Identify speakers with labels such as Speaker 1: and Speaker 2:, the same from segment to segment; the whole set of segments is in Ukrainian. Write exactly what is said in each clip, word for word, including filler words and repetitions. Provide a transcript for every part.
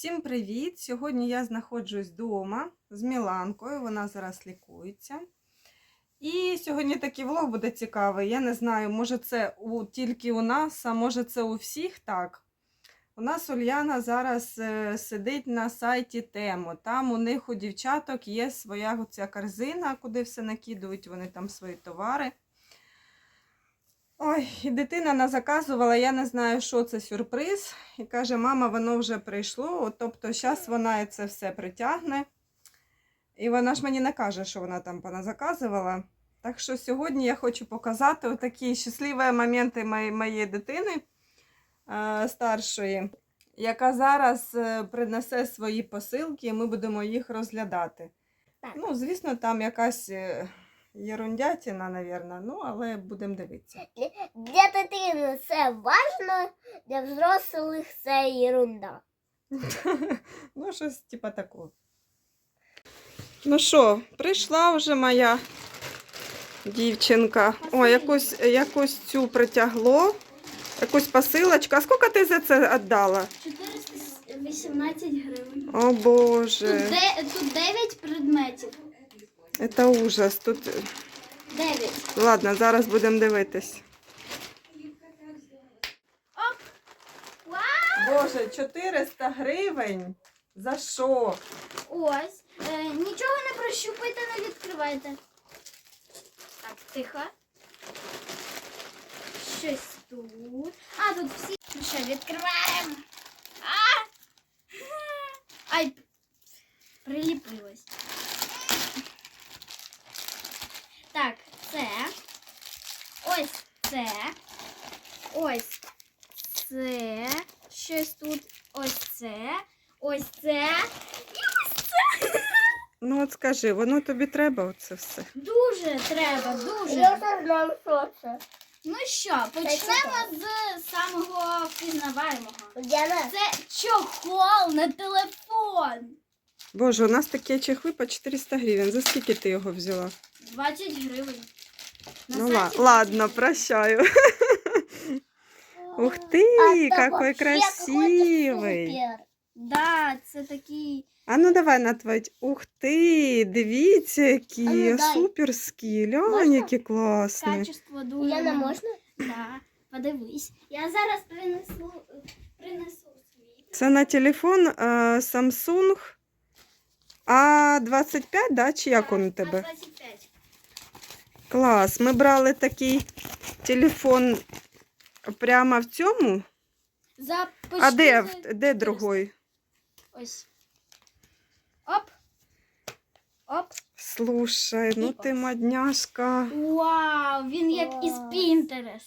Speaker 1: Всім привіт! Сьогодні я знаходжусь вдома з Міланкою, вона зараз лікується. І сьогодні такий влог буде цікавий. Я не знаю, може це у, тільки у нас, а може це у всіх так. У нас Ульяна зараз е, сидить на сайті Тему. Там у них у дівчаток є своя оця корзина, куди все накидують, вони там свої товари. Ой, і дитина назаказувала, я не знаю, що це сюрприз. І каже, мама, воно вже прийшло. От, тобто, зараз вона це все притягне. І вона ж мені не каже, що вона там поназаказувала. Так що сьогодні я хочу показати отакі щасливі моменти моєї, моєї дитини е, старшої, яка зараз е, принесе свої посилки, і ми будемо їх розглядати.
Speaker 2: Так.
Speaker 1: Ну, звісно, там якась... Е, Єрундятіна, напевно, ну, але будемо дивитися.
Speaker 2: Для дитини це важливо, для взрослих це ерунда.
Speaker 1: Ну, щось типа такого. Ну що, прийшла вже моя дівчинка. О, якусь, якусь цю притягло, якусь посилочку. А скільки ти за це віддала?
Speaker 3: чотириста вісімнадцять гривень.
Speaker 1: О, Боже.
Speaker 3: Тут, де, тут дев'ять предметів.
Speaker 1: Це ужас. Тут...
Speaker 3: дев'ять.
Speaker 1: Ладно, зараз будемо дивитись.
Speaker 3: Оп! Вау!
Speaker 1: Боже, чотириста гривень? За що?
Speaker 3: Ось. Е, нічого не прощупайте, не відкривайте. Так, тихо. Щось тут. А, тут всі. Ну що, відкриваємо. А! Ай, приліпилось. Так, це, ось це, ось це, щось тут, ось це, ось це і ось це.
Speaker 1: Ну от скажи, воно тобі треба оце все?
Speaker 3: Дуже треба, дуже.
Speaker 2: Я не знаю, що це.
Speaker 3: Ну що, почнемо з самого впізнаваємого.
Speaker 2: Діана,
Speaker 3: Це чохол на телефон.
Speaker 1: Боже, у нас такі чехли по чотириста гривень. За скільки ти його взяла?
Speaker 3: двадцять гривень. На
Speaker 1: Ну
Speaker 3: сайті
Speaker 1: ла- ладно, прощаю. Ух ты,
Speaker 2: а то
Speaker 1: какой
Speaker 2: вообще
Speaker 1: красивий.
Speaker 2: какой-то супер.
Speaker 3: Да, це такий.
Speaker 1: А ну давай натвать. Ух ти, дивіться, які
Speaker 2: А ну, дай.
Speaker 1: суперські. Глянь,
Speaker 2: Можна?
Speaker 1: які класні.
Speaker 3: Качество дуже.
Speaker 2: Діана, можна?
Speaker 3: Да, подивись. Я зараз принесу, принесу свій.
Speaker 1: Це на телефон е, Samsung А двадцять п'ять, да? Чи як він у тебе?
Speaker 3: А двадцять п'ять.
Speaker 1: Клас. Ми брали такий телефон прямо в цьому.
Speaker 3: За
Speaker 1: А де,
Speaker 3: почти за
Speaker 1: де другой?
Speaker 3: Ось. Оп. Оп.
Speaker 1: Слушай, ну ти модняшка.
Speaker 3: Вау, він як із
Speaker 2: Клас.
Speaker 3: Pinterest.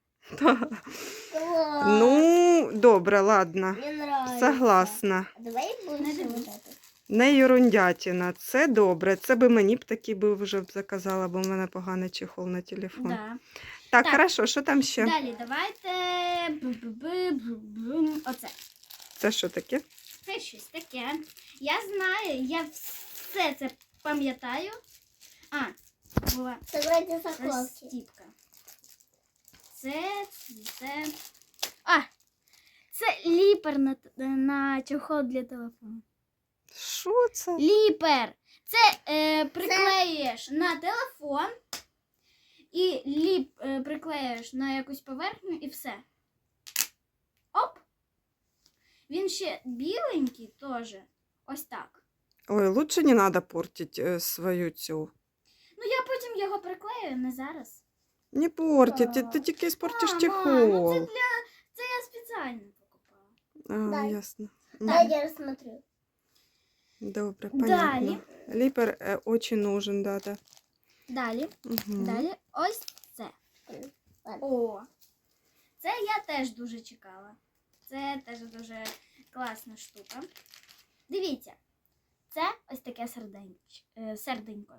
Speaker 2: Клас.
Speaker 1: Ну, добре, ладно.
Speaker 2: Мне нравится.
Speaker 1: Согласна.
Speaker 2: А давай будем
Speaker 3: Не
Speaker 2: вот
Speaker 3: дивись.
Speaker 2: это.
Speaker 1: Не ерундятіна, це добре. Це би мені б такий би вже б заказала, бо в мене поганий чехол на телефон.
Speaker 3: Да.
Speaker 1: Так,
Speaker 3: Так.
Speaker 1: хорошо, що там ще?
Speaker 3: Далі давайте. Бу-бу-бу-бу-бум. Оце.
Speaker 1: Це що таке?
Speaker 3: Це щось таке. Я знаю, я все це пам'ятаю. А, була
Speaker 2: Это вроде заколки.
Speaker 3: розстіпка. Це, це. А! Це ліпер на, на чохол для телефону.
Speaker 1: Що це?
Speaker 3: Ліпер! Це е, приклеюєш на телефон і ліп е, приклеюєш на якусь поверхню і все. Оп! Він ще біленький теж. Ось так.
Speaker 1: Ой, лучше не треба портити е, свою цю.
Speaker 3: Ну я потім його приклею, не зараз.
Speaker 1: Не портить, ти, ти тільки спортиш
Speaker 3: А,
Speaker 1: чехол.
Speaker 3: ма, ну це для. Це я спеціально покупала.
Speaker 1: А,
Speaker 2: Дай.
Speaker 1: ясно.
Speaker 2: Дай я рассмотрю.
Speaker 1: Добре,
Speaker 3: Далі.
Speaker 1: понятно. Ліпер е, очень нужен, да, да.
Speaker 3: Далі.
Speaker 1: Угу.
Speaker 3: Далі ось це.
Speaker 2: Ладно.
Speaker 3: О! Це я теж дуже чекала. Це теж дуже класна штука. Дивіться, це ось таке серденько. Е, серденько.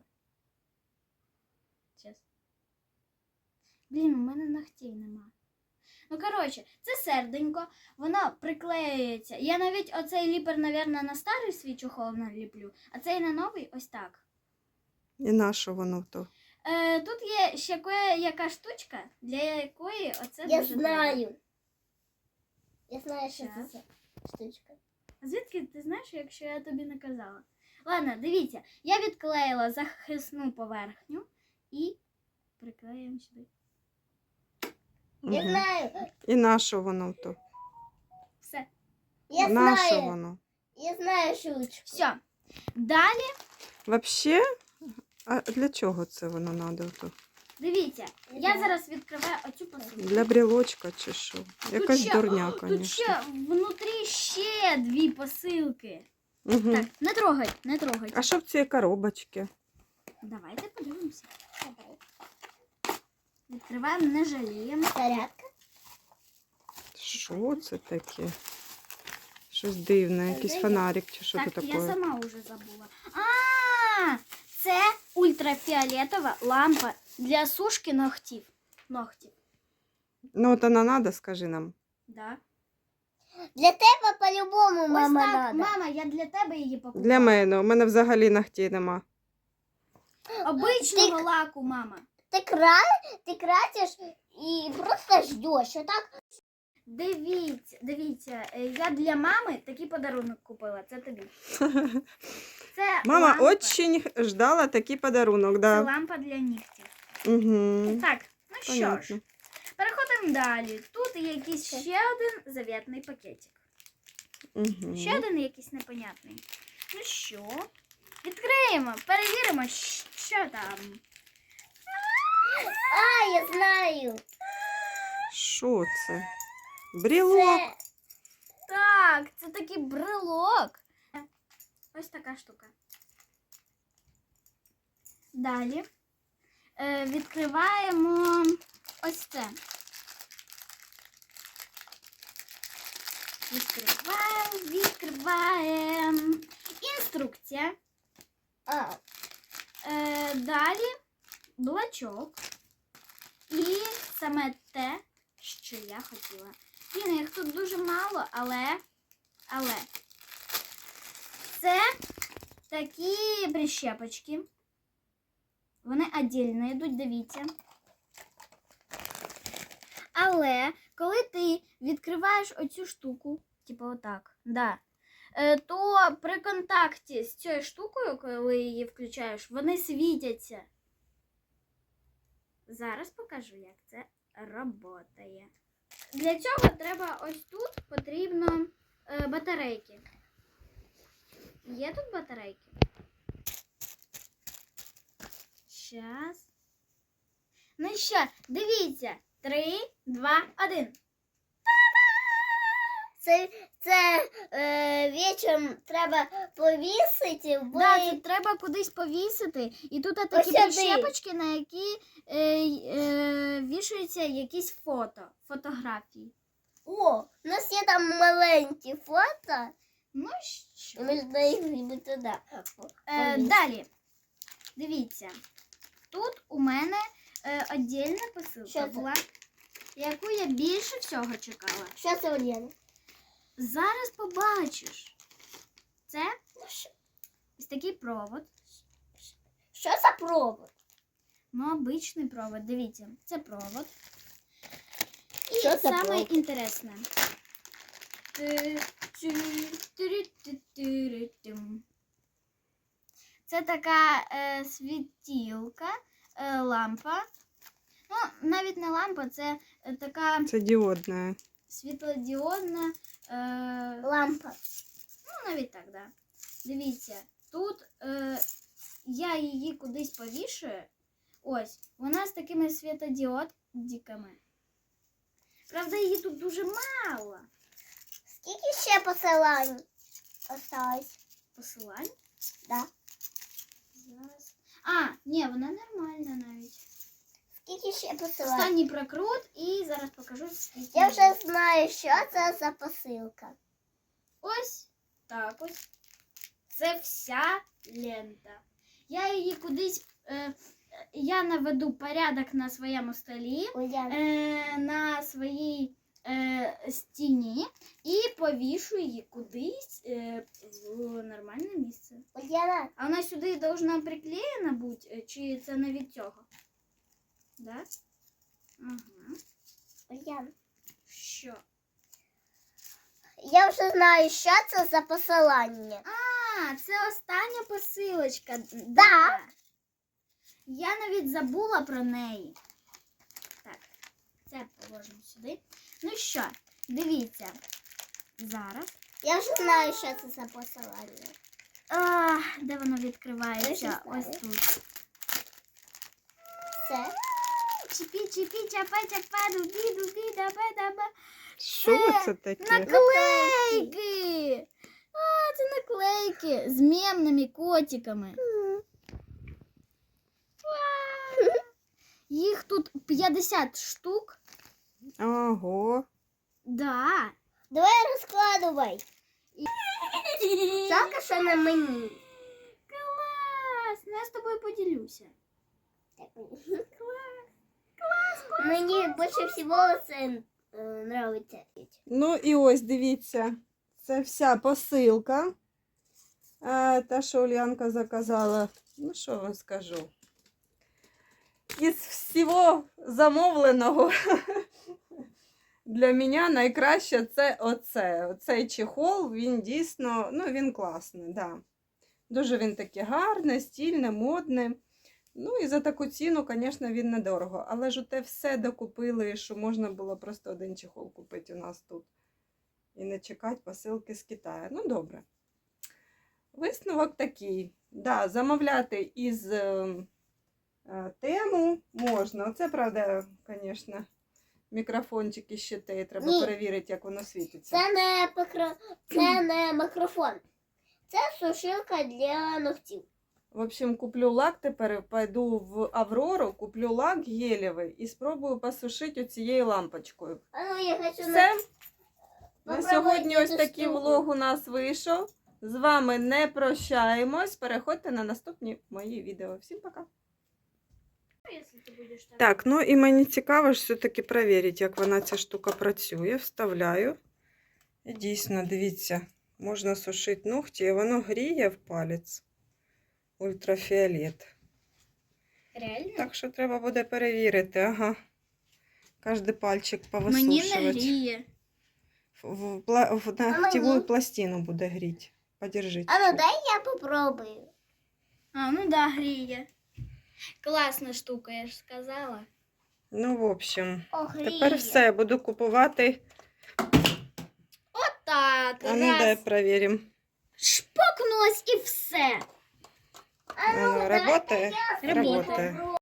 Speaker 3: Щас. Блін, у мене ногтей нема. Ну, коротше, це серденько, воно приклеюється. Я навіть оцей ліпер, мабуть, на старий свій чохол наліплю, а цей на новий ось так.
Speaker 1: І на що воно то?
Speaker 3: Е, тут є ще кое-яка штучка, для якої оце
Speaker 2: Я
Speaker 3: дуже
Speaker 2: знаю.
Speaker 3: треба.
Speaker 2: Я знаю, что
Speaker 3: Щас.
Speaker 2: это за штучка.
Speaker 3: А звідки ти знаєш, якщо я тобі не казала? Ладно, дивіться, я відклеїла захисну поверхню і приклеїмо сюди.
Speaker 2: Я
Speaker 1: Мгм.
Speaker 2: знаю.
Speaker 1: І на що воно то?
Speaker 3: Все.
Speaker 2: Я
Speaker 1: На що
Speaker 2: знаю.
Speaker 1: воно?
Speaker 2: Я знаю шучку.
Speaker 3: Все. Далі,
Speaker 1: Вообще, а для чого це воно надо? То?
Speaker 3: дивіться, я зараз відкриваю оцю посилку.
Speaker 1: Для брілочка чи що? Якась
Speaker 3: ще-
Speaker 1: дурня,
Speaker 3: Тут
Speaker 1: звісно.
Speaker 3: ще внутрі ще дві посилки.
Speaker 1: Угу.
Speaker 3: Так, не трогай, не трогай.
Speaker 1: А що в цій коробочці?
Speaker 3: Давайте подивимося. Відкриваємо, не жаліємо.
Speaker 2: Зарядка.
Speaker 1: Що це таке? Щось дивне, якийсь фонарик чи що
Speaker 3: Так,
Speaker 1: це
Speaker 3: я
Speaker 1: таке?
Speaker 3: сама вже забула. А, це ультрафіолетова лампа для сушки ногтів. Ногтів.
Speaker 1: Ну от вона надо, скажи нам.
Speaker 3: Да.
Speaker 2: Для тебе по-любому,
Speaker 3: Ось
Speaker 2: мама,
Speaker 3: так,
Speaker 2: надо.
Speaker 3: мама, я для тебе її покупала.
Speaker 1: Для мене. У мене взагалі ногтей нема.
Speaker 3: Обичного
Speaker 2: Ти-
Speaker 3: лаку, мама.
Speaker 2: Ти, кра... ти красиш і просто ждеш. Отак.
Speaker 3: Дивіться, дивіться, е, я для мами такий подарунок купила. Це тобі. Це
Speaker 1: Мама
Speaker 3: лампа.
Speaker 1: очень ждала такий подарунок,
Speaker 3: Це
Speaker 1: да.
Speaker 3: лампа для нігтів.
Speaker 1: Угу.
Speaker 3: Так, ну що ж,
Speaker 1: Понятно.
Speaker 3: переходимо далі. Тут є якийсь ще один завітний пакетик.
Speaker 1: Угу.
Speaker 3: Ще один якийсь непонятний. Ну що? Відкриємо, перевіримо, щ- що там.
Speaker 2: А, я знаю.
Speaker 1: Що це? Брілок.
Speaker 2: Це
Speaker 3: Так, це такий брелок. Ось така штука. Далі е, відкриваємо ось це. Відкриваємо, відкриваємо. Інструкція.
Speaker 2: а,
Speaker 3: Е, далі блочок. І саме те, що я хотіла. Блін, їх тут дуже мало, але, але це такі прищепочки. Вони віддільно йдуть, дивіться. Але коли ти відкриваєш оцю штуку, типу отак, да, е, то при контакті з цією штукою, коли її включаєш, вони світяться. Зараз покажу, як це працює. Для цього треба ось тут потрібно е, батарейки. Є тут батарейки? Щас. Ну що, дивіться. Три, два, один.
Speaker 2: це, це е, вечором треба повісити, бо
Speaker 3: Да, це треба кудись повісити. І тут такі
Speaker 2: Ось сюди.
Speaker 3: прищепочки, на які е, е, вішаються якісь фото, фотографії.
Speaker 2: О, у нас є там маленькі фото,
Speaker 3: Ну
Speaker 2: і
Speaker 3: що?
Speaker 2: ми знаємо туди.
Speaker 3: Е,
Speaker 2: повісити.
Speaker 3: далі. Дивіться. Тут у мене е, віддільна
Speaker 2: Що
Speaker 3: посилка
Speaker 2: це?
Speaker 3: була, яку я більше всього чекала.
Speaker 2: Що це, Олена?
Speaker 3: Зараз побачиш. Це ось такий провод.
Speaker 2: Що за провод?
Speaker 3: Ну, обичний провод. Дивіться, це провод. І
Speaker 2: Що це
Speaker 3: саме
Speaker 2: провод?
Speaker 3: інтересне. Це така е, світілка, е, лампа. Ну, навіть не лампа, це е, така
Speaker 1: Це діодне.
Speaker 3: світлодіодна. Е,
Speaker 2: Лампа.
Speaker 3: Ну, навіть так, да. Дивіться, тут е, я її кудись повішую. Ось, вона з такими світодіодиками. Правда, її тут дуже мало.
Speaker 2: Скільки ще посилань осталось?
Speaker 3: Посилань.
Speaker 2: Да.
Speaker 3: Зараз. А, ні, вона нормальна навіть.
Speaker 2: Скільки ще посилань?
Speaker 3: Останній прокрут і зараз покажу, скільки.
Speaker 2: Я вже знаю, що це за посилка.
Speaker 3: Ось так ось. Це вся лента. Я її кудись. Е, я наведу порядок на своєму столі,
Speaker 2: Уляна.
Speaker 3: е, на своїй е, стіні і повішу її кудись е, в нормальне місце.
Speaker 2: Уляна.
Speaker 3: А вона сюди должна приклеєна бути, е, чи це не від цього? Да? Ага.
Speaker 2: Уляна.
Speaker 3: Що?
Speaker 2: Я вже знаю, що це за посилання.
Speaker 3: А, це остання посилочка. Да. Я навіть забула про неї. Так, це положимо сюди. Ну що, дивіться. Зараз.
Speaker 2: Я вже знаю, що це за посилання.
Speaker 3: А, де воно
Speaker 2: Я
Speaker 3: відкривається?
Speaker 2: ще
Speaker 3: Ось
Speaker 2: знаю.
Speaker 3: тут.
Speaker 2: Це
Speaker 3: Чіпі, чіпі, чапа, чапа, дубі, дубі, даба, даба.
Speaker 1: Що це таке?
Speaker 3: Наклейки! А, це наклейки з мемними котиками. Їх тут п'ятдесят штук.
Speaker 1: Ого.
Speaker 3: Да.
Speaker 2: давай розкладувай. Жалко, що на мені.
Speaker 3: Клас! Ну, я з тобою поділюся.
Speaker 2: Мені більше всього це е, нравиться.
Speaker 1: Ну і ось дивіться, це вся посилка. Е, Та, що Ульянка заказала. Ну, що вам скажу. Із всього замовленого для мене найкраще це оце. Оцей чехол, він дійсно, ну, він класний, да. Дуже він такий гарний, стильний, модний. Ну і за таку ціну, звісно, він недорого. Але ж те все докупили, що можна було просто один чехол купити у нас тут. І не чекати посилки з Китаю. Ну, добре. Висновок такий. Да, замовляти із е, е, тему можна. Оце, правда, звісно, мікрофончик і щити. Треба
Speaker 2: Ні.
Speaker 1: перевірити, як воно світиться.
Speaker 2: Це не, покро... це не мікрофон. Це сушилка для ногтів.
Speaker 1: В общем, куплю лак тепер, пойду в Аврору, куплю лак гелевий і спробую посушити оцією лампочкою.
Speaker 2: А ну, я хочу
Speaker 1: Все.
Speaker 2: на...
Speaker 1: На
Speaker 2: Попробуйте
Speaker 1: сьогодні ось
Speaker 2: цю
Speaker 1: такий
Speaker 2: штуку.
Speaker 1: влог у нас вийшов. З вами не прощаємось. Переходьте на наступні мої відео. Всім пока. Так, ну і мені цікаво ж все-таки перевірити, як вона ця штука працює. Вставляю. І дійсно, дивіться, можна сушити ногті, і воно гріє в палець. Ультрафіолет.
Speaker 3: Реально?
Speaker 1: Так що треба буде перевірити, ага. Кожний пальчик
Speaker 3: Мені
Speaker 1: повисушувати.
Speaker 3: не гріє.
Speaker 1: В, в, пла- в
Speaker 2: А
Speaker 1: ногтевую
Speaker 2: мені?
Speaker 1: пластину буде гріти. Подержіть.
Speaker 2: А ну дай я попробую.
Speaker 3: А, ну да, гріє. Класна штука, я ж сказала.
Speaker 1: Ну, в общем,
Speaker 2: О, гріє.
Speaker 1: тепер все. Буду купувати.
Speaker 3: Так,
Speaker 1: А ну дай
Speaker 3: раз.
Speaker 1: перевіримо.
Speaker 3: Шпокнулась і все.
Speaker 2: А ну,
Speaker 1: Оно
Speaker 2: давай
Speaker 1: работает?
Speaker 2: я
Speaker 3: Работает.
Speaker 2: попробую.